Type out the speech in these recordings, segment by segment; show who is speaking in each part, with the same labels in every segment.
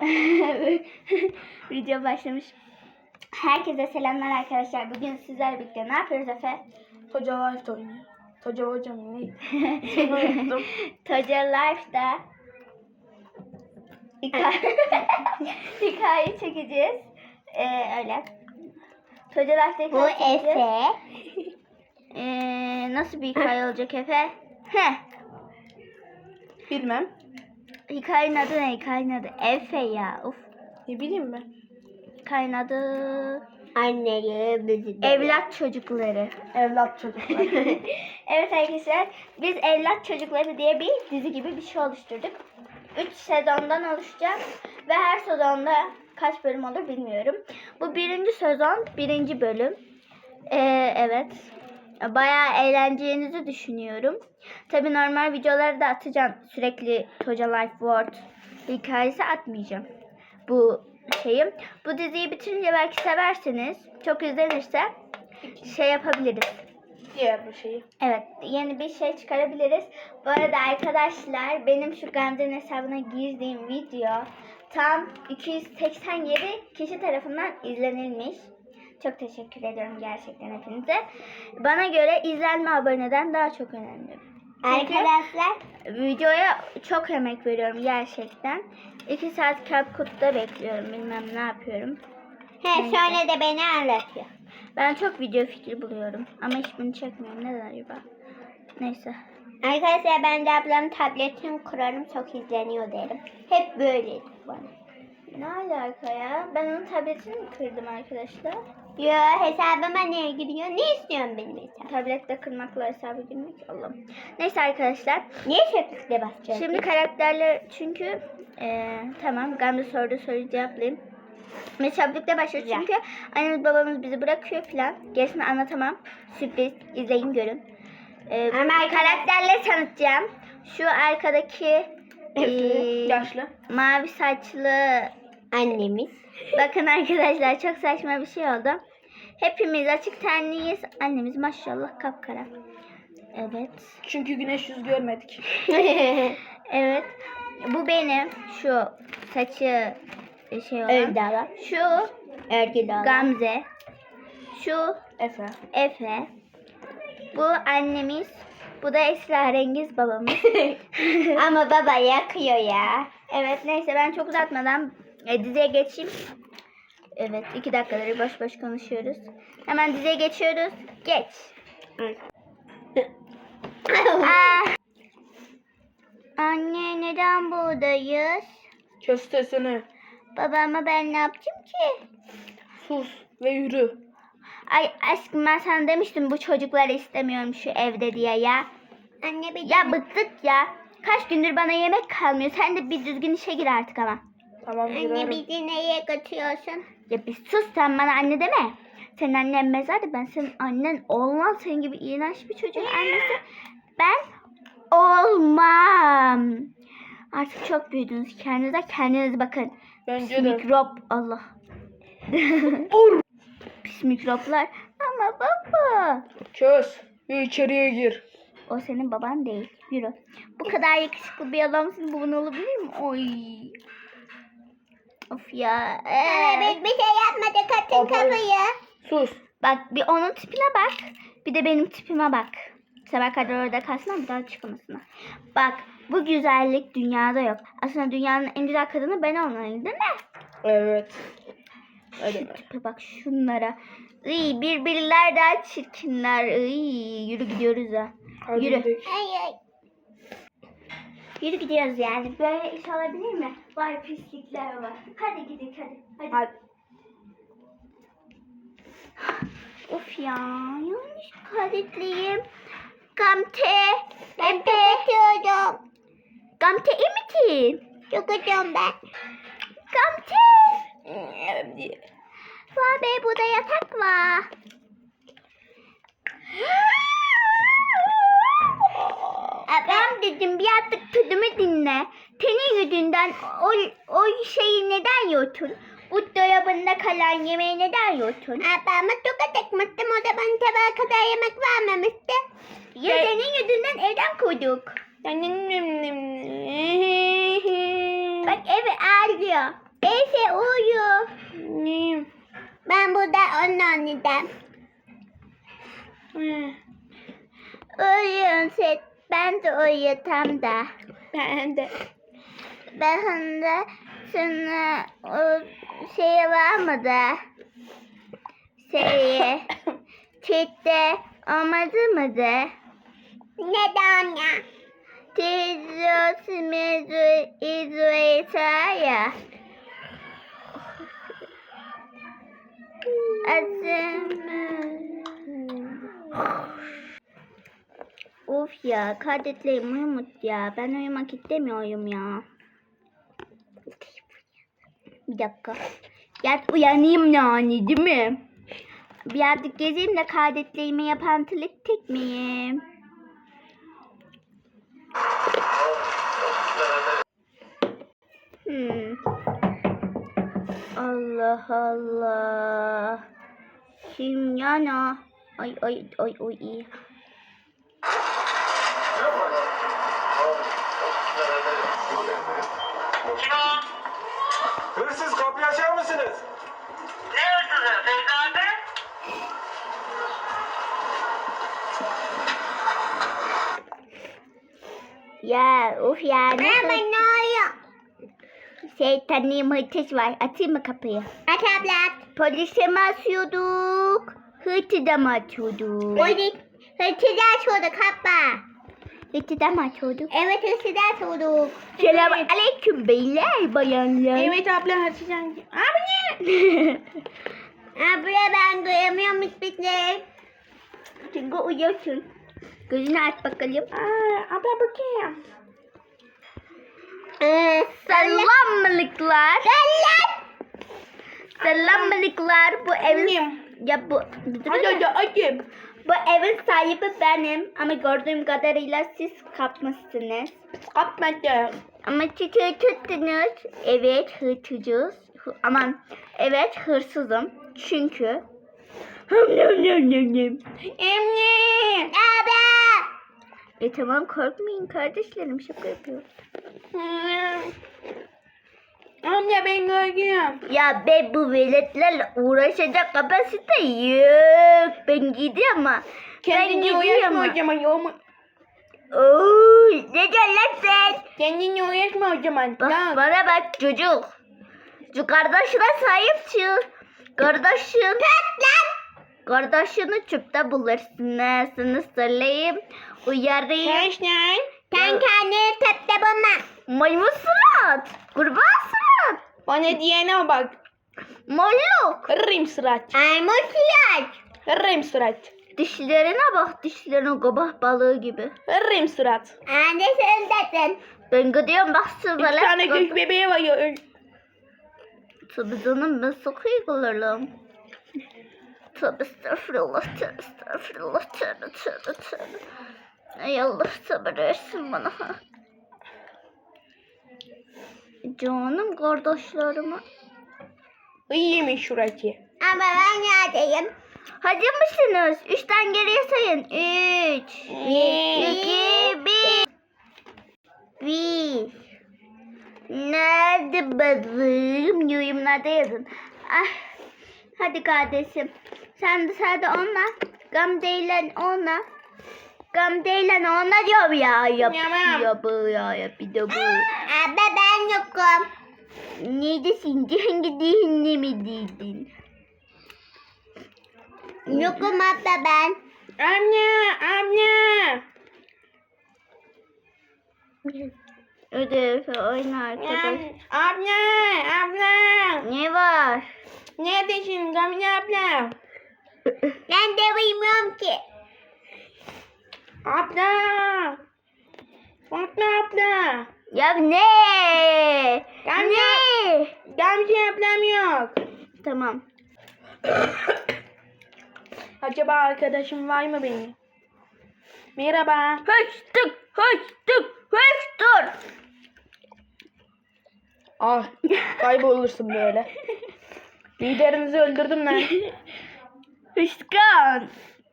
Speaker 1: Video başlamış. Herkese selamlar arkadaşlar. Bugün sizlerle birlikte ne yapıyoruz Efe?
Speaker 2: Toca Life oynuyor. Toca hocam neydi? Unuttum.
Speaker 1: Toca Life'da hikaye çekeceğiz. Öyle. Toca Life'da
Speaker 3: Bu
Speaker 1: hikaye çekeceğiz.
Speaker 3: Efe.
Speaker 1: Nasıl bir hikaye olacak Efe?
Speaker 2: Bilmem.
Speaker 1: Hikayenin adı ne? Hikayenin adı Efe ya. Uf.
Speaker 2: Ne bileyim ben.
Speaker 1: Hikayenin adı
Speaker 3: Anneleri bizi de.
Speaker 1: Evlat Çocukları.
Speaker 2: Evlat çocuklar.
Speaker 1: Evet arkadaşlar, biz Evlat Çocukları diye bir dizi gibi bir şey oluşturduk. 3 sezondan oluşacak ve her sezonda kaç bölüm olur bilmiyorum. Bu 1. sezon 1. bölüm. Evet. Bayağı eğleneceğinizi düşünüyorum. Tabii normal videoları da atacağım. Sürekli Toca Life World hikayesi atmayacağım. Bu şeyim. Bu diziyi bitirince belki seversiniz. Çok izlenirse şey yapabiliriz.
Speaker 2: Diğer bir şeyi.
Speaker 1: Evet, yeni bir şey çıkarabiliriz. Bu arada arkadaşlar, benim şu Gamze'nin hesabına girdiğim video tam 287 kişi tarafından izlenilmiş. Çok teşekkür ediyorum gerçekten hepinize. Bana göre izlenme aboneden daha çok önemli. Çünkü
Speaker 3: Arkadaşlar.
Speaker 1: videoya çok emek veriyorum gerçekten. 2 saat CapCut'ta bekliyorum, bilmem ne yapıyorum.
Speaker 3: Şöyle de beni anlatıyor.
Speaker 1: Ben çok video fikri buluyorum ama hiçbirini çekmiyorum. Neden acaba? Neyse.
Speaker 3: Arkadaşlar ben de ablamın tabletini kurarım, çok izleniyor derim. Hep böyleydi bana.
Speaker 1: Ne alaka ya? Ben onun tabletini mi kırdım arkadaşlar?
Speaker 3: Yo, hesabıma niye giriyor? Ne istiyorsun benim hesabım?
Speaker 1: Tablette kırmakla hesabı girmek. Allah'ım. Neyse arkadaşlar.
Speaker 3: Niye çöplükle basacağız?
Speaker 1: Şimdi karakterler çünkü tamam, Gamze sorduğu soruyu cevaplayayım. Ve çabukla başlıyoruz çünkü annemiz babamız bizi bırakıyor falan. Gerisini anlatamam. Sürpriz. İzleyin, görün.
Speaker 3: Ama
Speaker 1: Karakterleri tanıtacağım. Şu arkadaki
Speaker 2: Yaşlı.
Speaker 1: mavi saçlı
Speaker 3: annemiz.
Speaker 1: bakın arkadaşlar, çok saçma bir şey oldu. Hepimiz açık tenliyiz. Annemiz maşallah kapkara. Evet.
Speaker 2: Çünkü güneş yüz görmedik.
Speaker 1: Evet. Bu benim. Şu saçı şey olan.
Speaker 3: Örgü alan.
Speaker 1: Şu
Speaker 3: Örgü alan.
Speaker 1: Gamze. Şu
Speaker 2: Efe.
Speaker 1: Efe. Bu annemiz. Bu da esrarengiz babamız.
Speaker 3: Ama baba yakıyor ya.
Speaker 1: Evet, neyse ben çok uzatmadan diziye geçeyim. Evet, 2 dakikaları boş boş konuşuyoruz. Hemen diziye geçiyoruz. Geç. Anne, neden buradayız?
Speaker 2: Köstesini.
Speaker 1: Babama ben ne yaptım ki?
Speaker 2: Sus ve yürü.
Speaker 1: Ay aşkım, ben sana demiştim bu çocukları istemiyorum şu evde diye ya.
Speaker 3: Anne bir
Speaker 1: Ya bıktık ya. Kaç gündür bana yemek kalmıyor. Sen de bir düzgün işe gir artık ama.
Speaker 2: Tamam
Speaker 3: Anne
Speaker 2: girerim.
Speaker 3: bizi neye götürüyorsun?
Speaker 1: Ya bir sus, sen bana anne deme. Senin annen mezarda, ben senin annen olmam. Senin gibi iğrenç bir çocuğun annesi ben olmam. Artık çok büyüdünüz. Kendinize bakın.
Speaker 2: Bence
Speaker 1: Pis
Speaker 2: de.
Speaker 1: mikrop, Allah. Pis mikroplar. Ama baba.
Speaker 2: Köz. Ve içeriye gir.
Speaker 1: O senin baban değil. Yürü. Bu kadar yakışıklı bir adamsın. Baban olabilir mi? Oy. Of ya.
Speaker 3: Biz bir şey yapmadık, atın
Speaker 2: Baba.
Speaker 3: kafayı.
Speaker 2: Sus.
Speaker 1: Bak, bir onun tipine bak. Bir de benim tipime bak. Sabah kadar orada kalsın ama bir daha çıkamasınlar. Bak, bu güzellik dünyada yok. Aslında dünyanın en güzel kadını ben olmalıyım, değil mi?
Speaker 2: Evet. Öyle mi?
Speaker 1: Tipe bak şunlara. Iy, birbirler daha çirkinler. Iy, yürü gidiyoruz ha.
Speaker 2: Hadi
Speaker 1: Yürü.
Speaker 2: gidelim.
Speaker 3: Ay.
Speaker 1: Yürü gidiyoruz yani. Böyle iş olabilir mi? Vay pislikler var. Hadi gidelim hadi.
Speaker 2: Hadi.
Speaker 1: Of ya, yanlış kaydetliyim. Gamte.
Speaker 3: Ben kapatıyorum.
Speaker 1: Gamte iyi misin?
Speaker 3: Çıkacağım ben.
Speaker 1: Gamte. Vay be, burada yatak var. Ben dedim bir artık sözümü dinle. Senin yüzünden o şeyi neden yutun? Bu dolabında kalan yemeği neden yutun?
Speaker 3: Ablamı tokat etmiştim, o da bana tabağa kadar yemek vermemişti.
Speaker 1: Ya senin yüzünden evden koyduk. Bak evi ağlıyor.
Speaker 3: Efe uyu.
Speaker 2: Neyim?
Speaker 3: Ben burada onun anneden. Uyuyun siz. Ben de uyutam da.
Speaker 2: Ben de.
Speaker 3: Ben şimdi sana o şey var mı da? Şeyi. Çitte olmadı mı da? Neden ya? Teyze simizu izu ya. Of ya, kardeşlerim uyumut ya. Ben uyumak istemiyorum ya. Bir dakika. Yat uyanayım yani değil mi? Birazcık gezeyim de kardeşlerime yapantılık tekmeyeyim. Allah Allah. Kim yana? Ay ay ay ay.
Speaker 4: Hırsız kapıyı açar mısınız?
Speaker 5: Ne hırsızı Feyza abi?
Speaker 3: Ya of ya. Ne oluyor? Şeytanlığım hırtıs var. Atayım mı kapıyı? At abla. Polise mi asıyorduk? Hırtıda mı atıyorduk? Polis. Hırtıda atıyorduk abla. Hırtıda mı atıyorduk? Evet hırtıda atıyorduk. Selam aleyküm beyler bayanlar.
Speaker 2: Evet abla açacağım. Abi.
Speaker 3: Abla ben duyamıyorum hiçbir şey. Çünkü uyuyorsun. Gözünü aç bakalım.
Speaker 2: Abla bakayım.
Speaker 3: Selamlıklar. Selamlıklar. Bu evin
Speaker 2: Benim.
Speaker 3: ya bu
Speaker 2: Hadi.
Speaker 3: bu evin sahibi benim ama gördüğüm kadarıyla siz kapmışsınız.
Speaker 2: Kapmadım.
Speaker 3: Ama çiçeği tuttunuz. Evet hırsızız. Aman evet hırsızım. Çünkü
Speaker 2: Emni.
Speaker 3: tamam korkmayın kardeşlerim şaka yapıyorum.
Speaker 2: Anne ben gördüm.
Speaker 3: Ya ben bu veletlerle uğraşacak kapasite yok. Ben gidiyorum ama.
Speaker 2: Kendini uğraşma o zaman.
Speaker 3: Oo, ne diyorsun lan sen?
Speaker 2: Kendini uğraşma o zaman.
Speaker 3: Bak,
Speaker 2: Tamam.
Speaker 3: bana bak çocuk. Şu kardeşine sahip çık. Kardeşin. Kardeşini çöpte bulursun. Sana söyleyeyim. Uyarayım.
Speaker 2: Arkadaşlar.
Speaker 3: Sen kendini tepte bulma. Maymun surat. Kurbağa surat.
Speaker 2: Bana diyene bak.
Speaker 3: Molluk.
Speaker 2: Kırırım surat.
Speaker 3: Maymun surat.
Speaker 2: Kırırım surat.
Speaker 3: Dişlerine bak dişlerine kabak balığı gibi.
Speaker 2: Kırırım surat.
Speaker 3: Anne sen dedin. Ben gidiyorum bak
Speaker 2: İki
Speaker 3: sıvıla.
Speaker 2: tane göz bebeği var ya.
Speaker 3: Tabii canım ben çok iyi kullanırım. Tövbe estağfurullah, tövbe estağfurullah, tövbe. Ey Allah sabır versin bana. Canım kardeşlerime.
Speaker 2: İyiymiş şurası.
Speaker 3: Ama ben neredeyim? Hadi mısınız? 3'ten geriye sayın. 3, 2, 1. Nerede bazım? Yorumlarda yazın. Ah, hadi kardeşim. Sen dışarıda onunla. Gamze'yle onunla. Gamze'yle onunla diyorum ya. Yap bir de bu. Abi ben yokum. Neredesin? Hangi dihinde mi değildin? Yokum abla ben.
Speaker 2: Anne.
Speaker 3: Ödev oyna arkadaş.
Speaker 2: Abla.
Speaker 3: Ne var?
Speaker 2: Neredesin Gamze abla?
Speaker 3: Ben de bilmiyorum ki.
Speaker 2: Abla. Fatma abla.
Speaker 3: Ya ne?
Speaker 2: Gamze.
Speaker 3: Ne?
Speaker 2: Gamze ablam yok.
Speaker 3: Tamam.
Speaker 2: Acaba arkadaşım var mı benim? Merhaba.
Speaker 3: Höçtük.
Speaker 2: Ah, kaybolursun böyle. Liderinizi öldürdüm lan.
Speaker 3: Hışkan.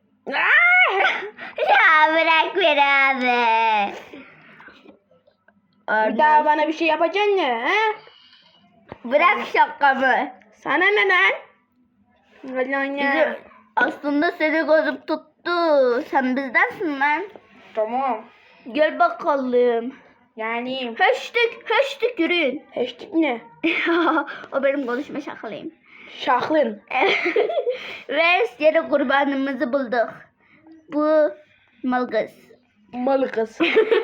Speaker 3: Ya bırak beni abi.
Speaker 2: Bir daha bana bir şey yapacaksın ne? He?
Speaker 3: Bırak şakamı.
Speaker 2: Sana ne lan? Vallahi ne?
Speaker 3: Aslında seni gözüm tuttu. Sen bizdensin lan.
Speaker 2: Tamam.
Speaker 3: Gel bakalım.
Speaker 2: Yani
Speaker 3: Hashtag yürüyün.
Speaker 2: hashtag ne?
Speaker 3: O benim konuşma şakalıyım.
Speaker 2: Şahlın.
Speaker 3: Ve yeni kurbanımızı bulduk. Bu malgız.
Speaker 2: Malı kız.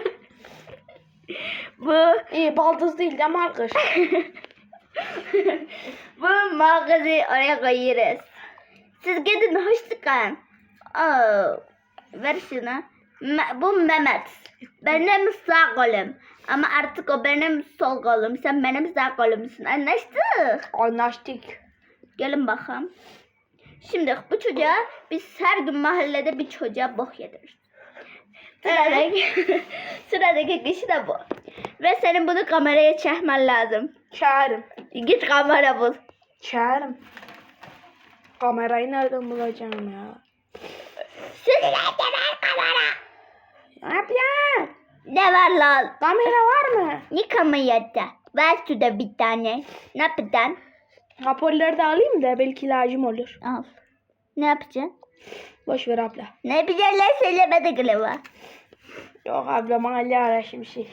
Speaker 3: Bu
Speaker 2: İyi baldız değil de markış.
Speaker 3: bu malgızı oraya koyuyoruz. Siz gidin hoşçakalın. Ver şunu. Bu Mehmet. Benim sağ kolum. Ama artık o benim sol kolum. Sen benim sağ kolumsun. Anlaştık.
Speaker 2: Anlaştık.
Speaker 3: Gelin bakalım. Şimdi bu çocuğa biz her gün mahallede bir çocuğa bok yediririz. Sıradaki kişi de bu. Ve senin bunu kameraya çekmen lazım.
Speaker 2: Çağırım.
Speaker 3: Git kamera bul.
Speaker 2: Çağırım. Kamerayı nereden bulacağım ya?
Speaker 3: Sürülerken ver kamera.
Speaker 2: Ne yapıyorsun?
Speaker 3: Ne var lan?
Speaker 2: Kamera var mı?
Speaker 3: Ne kamerada? Ver şurada bir tane. Ne yapacaksın?
Speaker 2: Raporları da alayım da belki lazım olur.
Speaker 3: Al. Ne yapacaksın?
Speaker 2: Boş ver abla.
Speaker 3: Ne bilirler söylemedi galiba.
Speaker 2: Yok abla mahalle araşım şey.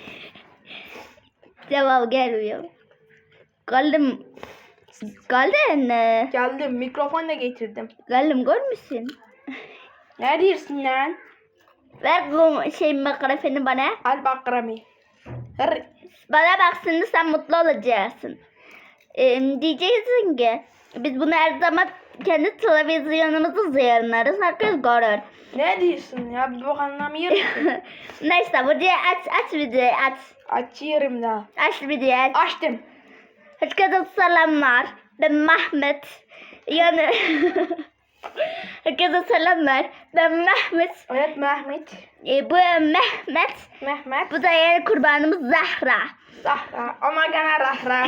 Speaker 3: Cevap gelmiyor. Kaldım. Kaldın.
Speaker 2: Geldim mikrofon da getirdim.
Speaker 3: Kaldım görmüşsün.
Speaker 2: Ne diyorsun lan?
Speaker 3: Ver bu mikrofonu bana.
Speaker 2: Al bakrami. Hır.
Speaker 3: Bana bak şimdi sen mutlu olacaksın. Diyeceksin ki biz bunu her zaman kendi televizyonumuzu yayınlarız. Herkes görür.
Speaker 2: Ne diyorsun ya? Bir bak anlamıyorum.
Speaker 3: Neyse videoyu aç videoyu aç.
Speaker 2: Açıyorum da.
Speaker 3: Aç videoyu aç.
Speaker 2: Açtım.
Speaker 3: Herkese selamlar. Ben Mehmet. Yani herkese selamlar. Ben Mehmet.
Speaker 2: Evet Mehmet.
Speaker 3: Bu Mehmet.
Speaker 2: Mehmet.
Speaker 3: Bu da yeni kurbanımız Zahra.
Speaker 2: Zahra. Ama gene rahra.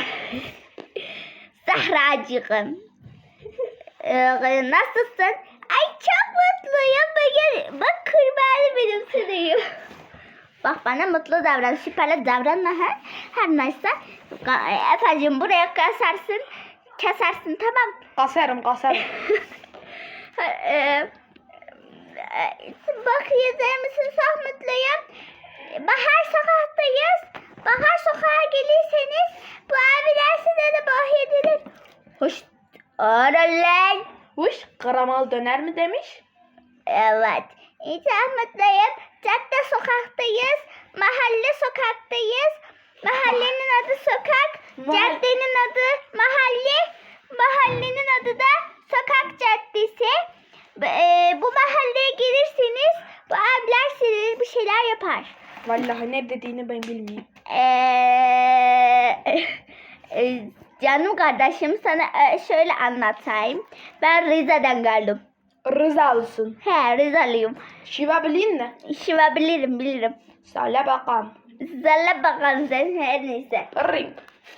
Speaker 3: Zahracığım. Nasılsın? Ay çok mutluyum. Bak kurbanı benim sınıyım. Bak bana mutlu davran. Süperle davranma. Her neyse. Efendim buraya kesersin. Kesersin tamam.
Speaker 2: Kasarım.
Speaker 3: Bak yazar mısın? Çok mutluyum. Bahar sokaktayız. Bahar sokağa gelirseniz bu abiler size de bahsedilir. Hoş. Oralar.
Speaker 2: Huş. Karamal döner mi demiş?
Speaker 3: Evet. Çok mutluyum. Cadde sokaktayız. Mahalle sokaktayız. Mahallenin adı sokak. Caddenin adı mahalle. Mahallenin adı da sokak caddesi. Bu mahalleye gelirseniz bu abiler size bir şeyler yapar.
Speaker 2: Vallahi ne dediğini ben bilmiyorum.
Speaker 3: Canım kardeşim sana şöyle anlatayım. Ben Rize'den geldim.
Speaker 2: Rızalısın.
Speaker 3: He Rizeliyim.
Speaker 2: Şiva bilin mi?
Speaker 3: Şiva bilirim.
Speaker 2: Söyle bakalım.
Speaker 3: Zalla bakalım sen her neyse.
Speaker 2: Ring.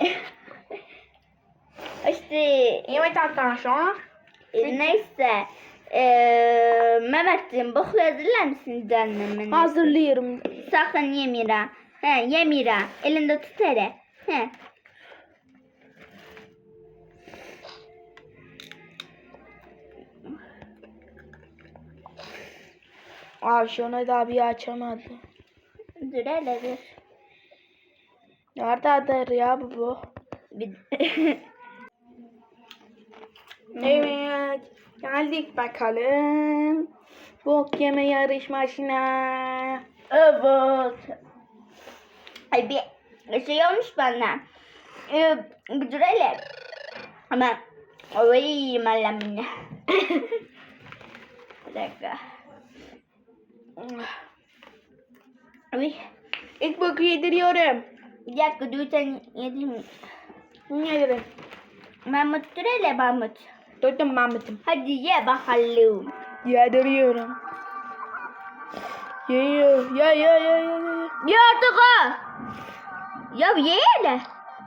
Speaker 3: İşte
Speaker 2: Evet arkadaşlar.
Speaker 3: neyse. Mehmetciğim boku hazırlar mısın canım?
Speaker 2: Hazırlıyorum.
Speaker 3: Sakın yemira. Yemira. Elinde tut hele.
Speaker 2: Şunu da bir açamadı.
Speaker 3: Dur hele dur.
Speaker 2: Nerededir ya bu? Evet. Geldik bakalım. Bok yeme yarışmasına.
Speaker 3: Evet. Ay bir şey olmuş bana. Dur hele. Ama oy malamine. Bir dakika. Ay.
Speaker 2: İlk boku yediriyorum.
Speaker 3: Bir dakika dur sen yedin mi?
Speaker 2: Yedirim.
Speaker 3: Mahmut dur hele Mahmut.
Speaker 2: Durdum Mahmut'um.
Speaker 3: Hadi ye bakalım.
Speaker 2: Yediriyorum. Yiyor. Ya.
Speaker 3: Ye artık ha. Ya ye hele.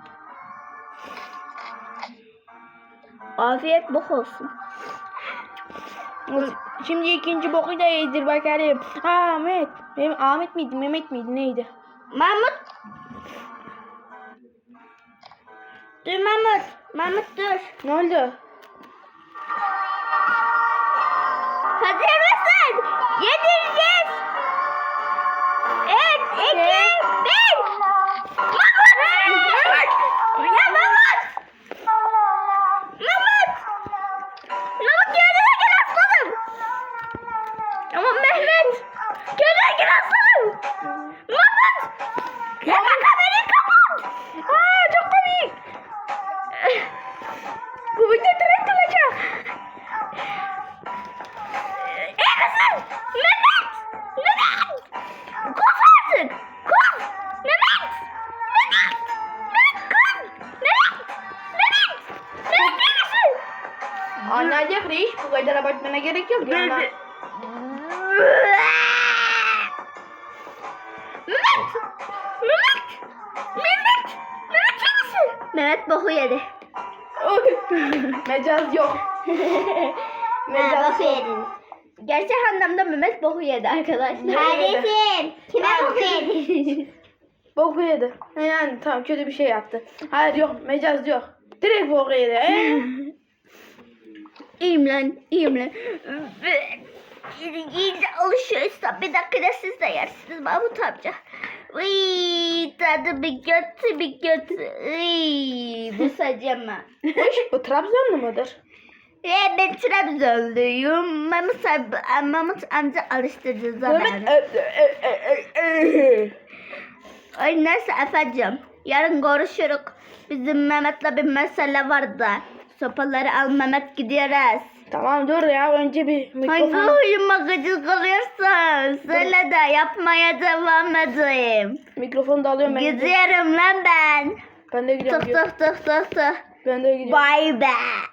Speaker 3: Afiyet bok olsun.
Speaker 2: Şimdi ikinci boku da yedir bakalım. Ahmet. Ahmet miydi? Mehmet miydi? Neydi?
Speaker 3: Mahmut.
Speaker 1: Dur Mahmut. Mahmut dur.
Speaker 2: Ne oldu?
Speaker 1: Hazır mısın? Yedireceğiz. 3, 2, 1. Mahmut! Ya Mahmut! Mahmut! Mahmut kendine gel aslanım. Ama Mehmet. Kendine gel aslanım. Mahmut! Ya kamerayı kapat. Aa, çok komik. Bu video direkt olacak. İyi misin? Mehmet! Mehmet! Koş artık! Koş! Mehmet! Mehmet! Mehmet koş! Mehmet! Mehmet! Mehmet iyi misin?
Speaker 2: Anlayacak reis, bu kadar abartmana gerek yok. Yani.
Speaker 1: Mehmet! Mehmet! Mehmet! Mehmet iyi misin? Mehmet boku yedi.
Speaker 2: Mecaz yok. Mecaz
Speaker 1: boku
Speaker 2: yok.
Speaker 1: yediniz. Gerçek anlamda Mehmet boku yedi arkadaşlar.
Speaker 3: Kardeşim. Kime
Speaker 2: Abi.
Speaker 3: boku yedin?
Speaker 2: Boku yedi. Yani tamam, kötü bir şey yaptı. Hayır yok, mecaz yok. Direkt boku yedi.
Speaker 1: İyiyim lan, iyiyim lan. İyice alışıyorsa bir dakikada siz de yersiniz Mahmut amca. Uy, tadı bir kötü bir kötü. Uy, bu sacama.
Speaker 2: Bu Trabzonlu mudur?
Speaker 1: Ben Trabzonluyum. Mahmut amca alıştırdı zamanı. Ay neyse efendim. Yarın görüşürüz. Bizim Mehmet'le bir mesele var da. Sopaları al Mehmet gidiyoruz.
Speaker 2: Tamam dur ya, önce bir
Speaker 1: Hangi
Speaker 2: mikrofon.
Speaker 1: huyuma gıcık oluyorsan söyle de yapmaya devam edeyim.
Speaker 2: Mikrofonu da alıyorum ben.
Speaker 1: Gidiyorum lan ben.
Speaker 2: Ben de gidiyorum.
Speaker 1: Tık tık tık tık tık.
Speaker 2: Ben de gidiyorum.
Speaker 1: Bye be.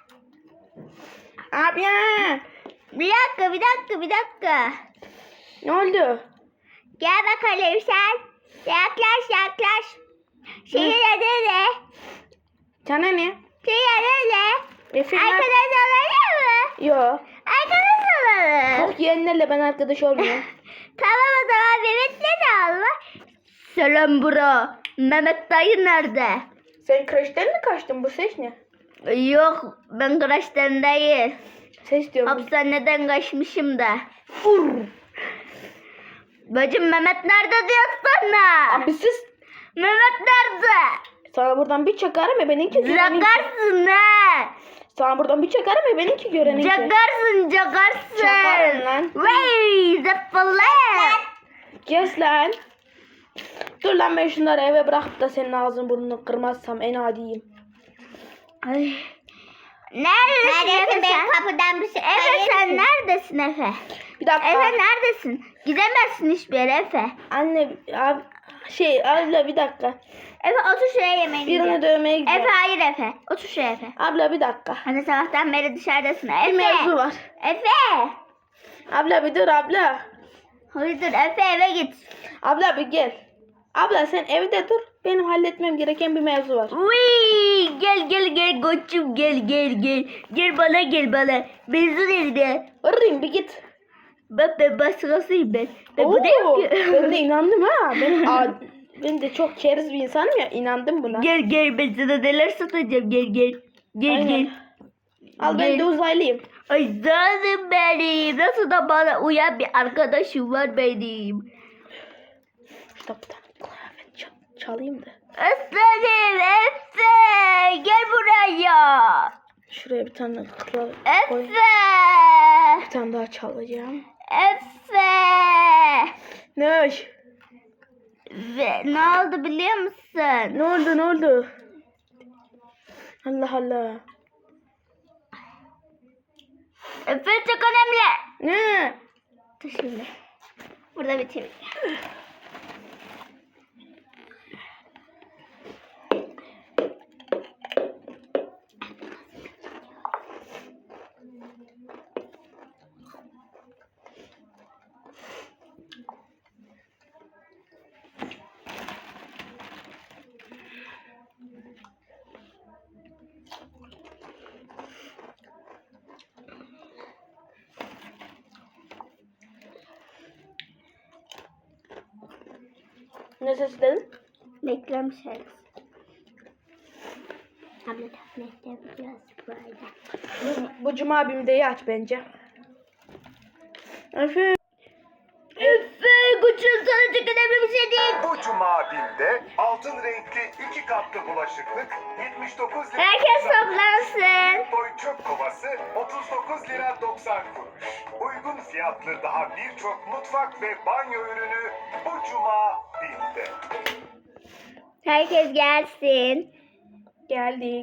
Speaker 2: Abi ya.
Speaker 1: Bir dakika.
Speaker 2: Ne oldu?
Speaker 1: Gel bakalım sen. Yaklaş. Şehir adı ne?
Speaker 2: Sana ne?
Speaker 1: Şehir adı ne?
Speaker 2: Efendim?
Speaker 1: Arkadaş olalım mı?
Speaker 2: Yok.
Speaker 1: Arkadaş olalım.
Speaker 2: Çok yeğenlerle ben arkadaş olmuyorum.
Speaker 1: Tamam o zaman Mehmet'le de alma. Selam bro. Mehmet dayı nerede?
Speaker 2: Sen kreşten mi kaçtın? Bu ses ne?
Speaker 1: Yok ben kreşten değil.
Speaker 2: Ses diyorum.
Speaker 1: Hapishaneden kaçmışım da. Bacım Mehmet nerede diyor sana?
Speaker 2: Abi siz.
Speaker 1: Mehmet nerede?
Speaker 2: Sana buradan bir çakarım ya benimki göreninki.
Speaker 1: Cakarsın ha.
Speaker 2: Sana buradan bir çakarım ya benimki göreninki.
Speaker 1: Cakarsın.
Speaker 2: Çakarım lan.
Speaker 1: Vay zıppalı.
Speaker 2: Kes lan. Dur lan, ben şunları eve bırakıp da senin ağzını burnunu kırmazsam en adiyim.
Speaker 1: Ay. Neredesin Efe sen?
Speaker 3: Kapıdan bir şey.
Speaker 1: Efe sen neredesin Efe?
Speaker 2: Bir dakika.
Speaker 1: Efe neredesin? Gidemezsin hiçbir yere Efe.
Speaker 2: Anne abi abla bir dakika.
Speaker 1: Efe otur şuraya yemeğini
Speaker 2: Birini
Speaker 1: yiyeceğim.
Speaker 2: dövmeye gidiyorum.
Speaker 1: Efe hayır Efe. Otur şuraya Efe.
Speaker 2: Abla bir dakika.
Speaker 1: Hani sabahtan beri dışarıdasın. Efe.
Speaker 2: Bir mevzu var.
Speaker 1: Efe.
Speaker 2: Abla bir dur abla.
Speaker 1: Hayır dur Efe eve git.
Speaker 2: Abla bir gel. Abla sen evde dur. Benim halletmem gereken bir mevzu var.
Speaker 1: Uy, gel koçum gel. Gel bana. Mezun elinde.
Speaker 2: Arayayım bir git.
Speaker 1: Bak ben başkasıyım ben. Ben
Speaker 2: Oo,
Speaker 1: buradayım ki.
Speaker 2: ben de inandım ha. Ben de çok keriz bir insanım ya. İnandım buna.
Speaker 1: Gel ben sana neler satacağım gel.
Speaker 2: Aynen. Al ben de uzaylıyım.
Speaker 1: Ay canım benim. Nasıl da bana uyan bir arkadaşım var benim.
Speaker 2: İşte bir tane kıyafet çalayım da.
Speaker 1: Aslanım Efe. Gel buraya.
Speaker 2: Şuraya bir tane koy.
Speaker 1: Efe.
Speaker 2: Bir tane daha çalacağım.
Speaker 1: Efe.
Speaker 2: Ne hoş.
Speaker 1: Ve ne oldu biliyor musun?
Speaker 2: Ne oldu? Allah Allah.
Speaker 1: Efe çok önemli.
Speaker 2: Ne?
Speaker 1: Dur şimdi. Burada bitireyim.
Speaker 2: Ne ses dedin?
Speaker 1: Reklam şarkısı.
Speaker 3: Abla tablette yapacağız böyle.
Speaker 2: Bu cuma BİM'deyi aç bence. Efe.
Speaker 3: Efe kuçun sana çıkın bir şey değil.
Speaker 4: Bu cuma BİM'de altın renkli 2 katlı bulaşıklık 79 lira.
Speaker 1: Herkes toplansın.
Speaker 4: Boy çöp kovası 39 lira 90 kuruş. Uygun fiyatlı daha birçok mutfak ve banyo ürünü bu cuma BİM'de.
Speaker 1: Herkes gelsin.
Speaker 2: Geldik.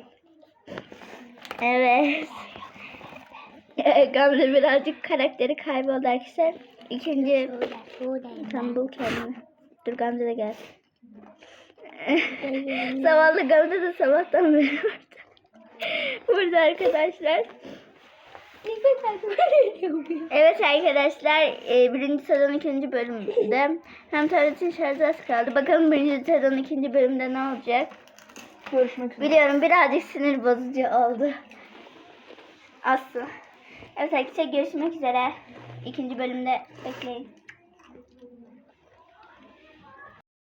Speaker 1: Evet. Gamze birazcık karakteri kayboldu arkadaşlar. İkinci tam bul kendini. Dur Gamze de gelsin. Zavallı Gamze de sabahtan beri burada. Burada arkadaşlar. Evet arkadaşlar, birinci sezon ikinci bölümde hem tabletin şarjı az kaldı. Bakalım birinci sezon ikinci bölümde ne olacak?
Speaker 2: Görüşmek üzere.
Speaker 1: Biliyorum birazcık sinir bozucu oldu. Aslı. Evet arkadaşlar görüşmek üzere. İkinci bölümde bekleyin.